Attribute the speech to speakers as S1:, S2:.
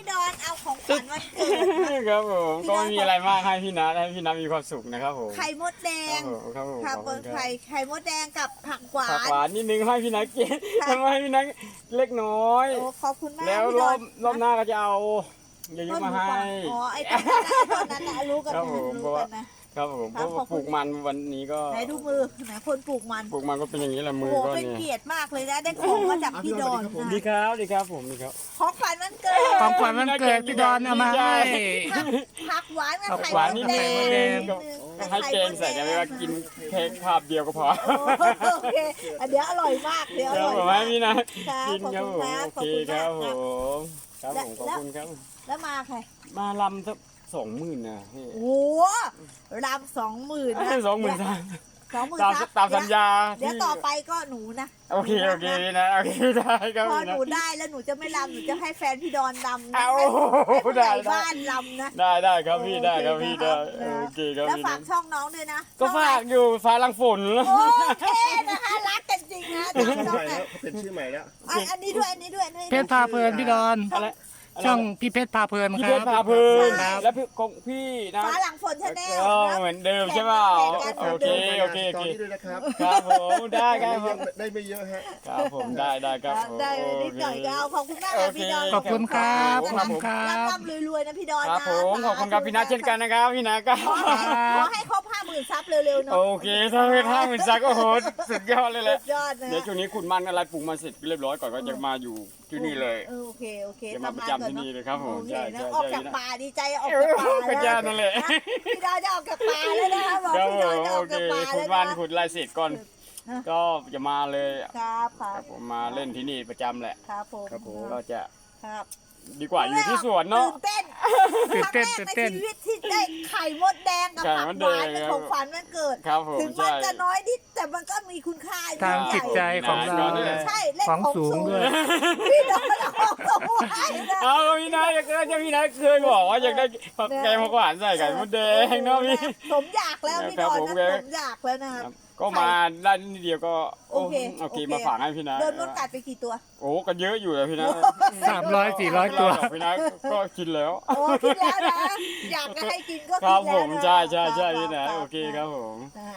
S1: ดอนเอาของขวัญวันเกิด
S2: ครับผม
S1: พี่
S2: ก็
S1: น้อย
S2: ไม่มีอะไรมากให้พี่นัทให้พี่นัทมีความสุขนะครับผม
S1: ไข่มดแด
S2: ครับ
S1: ง
S2: ผม
S1: ค่ะ
S2: ขอบคุณครับ
S1: ไข่มดแดงกับผักหวา
S2: ผัก
S1: น
S2: หวานนิดนึงให้พี่นัทกิน
S1: ค่ะ
S2: ทำไมให้พี่นัทเล็กน้อย
S1: โอ้ขอบคุณมาก
S2: แล้ว
S1: พี่
S2: ร
S1: ด
S2: อ
S1: อบ น
S2: รอบหน้าก็จะเอาเยอะๆมาให้
S1: อ๋อไอ้ตอนนั้นน่ะรู้กัน
S2: ครับ
S1: นะ
S2: ผม
S1: รู้กันนะครับ
S2: ผมเพ
S1: ครับ
S2: ราะ
S1: ข
S2: ว่า
S1: อบ
S2: ป
S1: คุณ
S2: ลูกมันวันนี้ก็
S1: ไหนดูมือไหนคนปลูกมัน
S2: ปลูกมันก็เป็นอย่างนี้แหละมื
S1: โอ้
S2: อ
S1: โห
S2: ก็
S1: เป็น
S2: เนี่ย
S1: เกียรติมากเลยนะได้ของมาจากพี่ดอน
S2: ดีครับดีครับผมดีครับ
S1: ของขวัญวันเกิด
S3: ของขวัญวันเกิดพี่ดอนเอามาให้
S1: ผักหวานกับ
S2: ผัก
S1: ไข่
S2: หวาน
S1: ม
S2: นิ
S1: ด
S2: ด
S1: แด
S2: นึ
S1: ง
S2: งให้เกณฑ์ใส่กันไม่ว่ากินเค้กภาพเดียวก็พอ
S1: โอเคเดี๋ยวอร่อยมากเดี๋ยวอ
S2: ครับ
S1: ร่อย
S2: ผม
S1: มา
S2: ให้
S1: ก
S2: พี่นะ
S1: ครับ
S2: กินครับผม
S1: ขอบ
S2: โอ
S1: คุณ
S2: เค
S1: ครับ
S2: ครับ
S1: ขอบ
S2: ผ
S1: คุณ
S2: มครับผมขอบคุณครับ
S1: แล้วมาใคร
S2: มาลำสัก20,000นะพี่
S1: โอ้โหรำ20,000นะ
S2: 20,000
S1: 20,000
S2: ตามสัญญา
S1: เดี๋ยวต่อไปก็หนูนะ
S2: โอเคพี่นะโอเคได้ครับ
S1: พอ
S2: พี่
S1: ห
S2: นะ
S1: นูได้แล้วหนูจะไม่รำหนูจะให้แฟนพี่ดอนรำนะ
S2: เอา
S1: ให้ผู้ใหญ่
S2: ได้
S1: บ้านรำนะ
S2: ได้ครับพี่ได้ครับพี่ได้
S1: นะ
S2: โอเคครับ
S1: แล้ว
S2: พี่
S1: ฝา
S2: นะ
S1: กช่องน้องด้วยนะ
S2: ก็ฝากอยู่ฟ้าลังฝน
S1: โอเคนะคะรักกันจริงนะ
S4: ชื่อ
S1: น้อง
S4: ใหม่
S1: ๆ
S4: แล้
S1: นะ
S4: วเขาเป็นชื่อใหม่แล้ว
S1: อันนี้ด้วยอันนี้ด้วย
S3: เพชรพาเพลินพี่ดอน
S2: อะไร
S3: ช่องพี่เพชรพาเพลิน
S2: พี่
S3: ค
S2: เพ
S3: รั
S2: ช
S3: บ
S2: รพาเพลิน
S3: ครับ
S2: แล้วพี่ของพี่นะ
S1: ฟ้าหลังฝนชาแนล
S2: ก็เหมือนเดิมใช่เปล่าโอเคโอเค
S4: ตอนนี้ด้วยนะครับ
S2: ครับผมได้ครับผม
S4: ได้ไม่เยอะฮะ
S2: ครับผมได้ครับผม
S1: ได้นิดหน่อยก็เอาขอบคุณมากค่ะพี่ดอน
S3: ขอบคุณครับขอบคุณครั
S1: ร่ำ
S3: บ
S1: ๆรวยๆนะพี่ดอน
S2: ครั
S1: นะ
S2: บผมขอบคุณครับพี่นัทเช่นกันนะครับพี่นัทก็
S1: ขอให้ครบ50,000ซับเร็วๆเนาะ
S2: โอเคถ้าเป็น50,000ซักก็โหสุดยอดเลยแหละ
S1: สุดยอดนะ
S2: เดี๋ยวช่วงนี้ขุดมันอะไรปลูกมันเสร็จเรียบร้อยก่อนก็จะมาอยู่ที่นี่เลย
S1: โอเค
S2: จะมาประจำที่นี่เลยครับผม
S1: โอเค
S2: ใช่
S1: นะ
S2: ใช่
S1: ออกจาก
S2: ใช่
S1: ป่าดีใจออกจากป่า
S2: ก็
S1: แล้ว
S2: จะนั่นแหละ
S1: พี่ดอนจะออกจากป่าแล้วนะคะบอก
S2: ครับ
S1: พี่
S2: ผ
S1: ดอน
S2: ม
S1: จะอ
S2: โอ
S1: อก
S2: เค
S1: จากป่า
S2: ขุ
S1: แล้
S2: ด
S1: ว
S2: มัน
S1: นะ
S2: ขุดอะไรเสร็จก่อน
S1: ฮะ
S2: ก็จะมาเลย
S1: ครับค
S2: ค
S1: รั
S2: รั
S1: บบ
S2: ผมมาเล่นที่นี่ประจำแหละ
S1: ครับผม
S4: ครับผม
S2: ก็จะ
S1: ครับ
S2: ดีกว่าอยู่ที่สวนเนาะ
S1: ตื่นเต้น
S3: ตื่น
S1: ค
S3: เต้
S1: รั้ง
S3: น
S1: แรกในชีวิตที่ได้ไข่มดแดงกับ
S2: ไข่
S1: ผัก
S2: มด
S1: ห
S2: แดง
S1: วานเป็นของฝันวันเกิด
S2: ครับผม
S1: ถึงมัน
S2: ใช่
S1: จะน้อยนิดแต่มันก็มีคุณค่า
S3: ทางจิตใจของเรา
S1: ใช่เล่น
S3: ของ
S1: ของ
S3: สู
S1: สู
S3: ง
S1: ง
S3: ด้วย
S1: พี่ดอนเอาของสูงไว้นะ
S2: เอาพี่นัทพี่นัทเคยบอกว่าอยากได้ผักแกงผักหวานใส่ไข่มดแดงเนาะพี่
S1: สมอยากแล้วพี่ดอนนะสมอยากแล้วนะครับ
S2: ก็มาได้นิดเดียวก็
S1: โอเค
S2: โอเคมาฝากให้พี่นัท
S1: โดนมดกัดไปกี่ตัว
S2: โอ้ก็เยอะอยู่เลยพี่นัท
S3: 300-400 ตัว
S2: พี่นัทก็กินแล้ว
S1: โอ้คิดแล้วนะอยากจะให้กินก็
S2: ครับ
S1: กินแล้ว
S2: ผม
S1: นะ
S2: ใช่พี่นัท
S1: รับ
S2: โอเคครับผม
S1: นะฮะ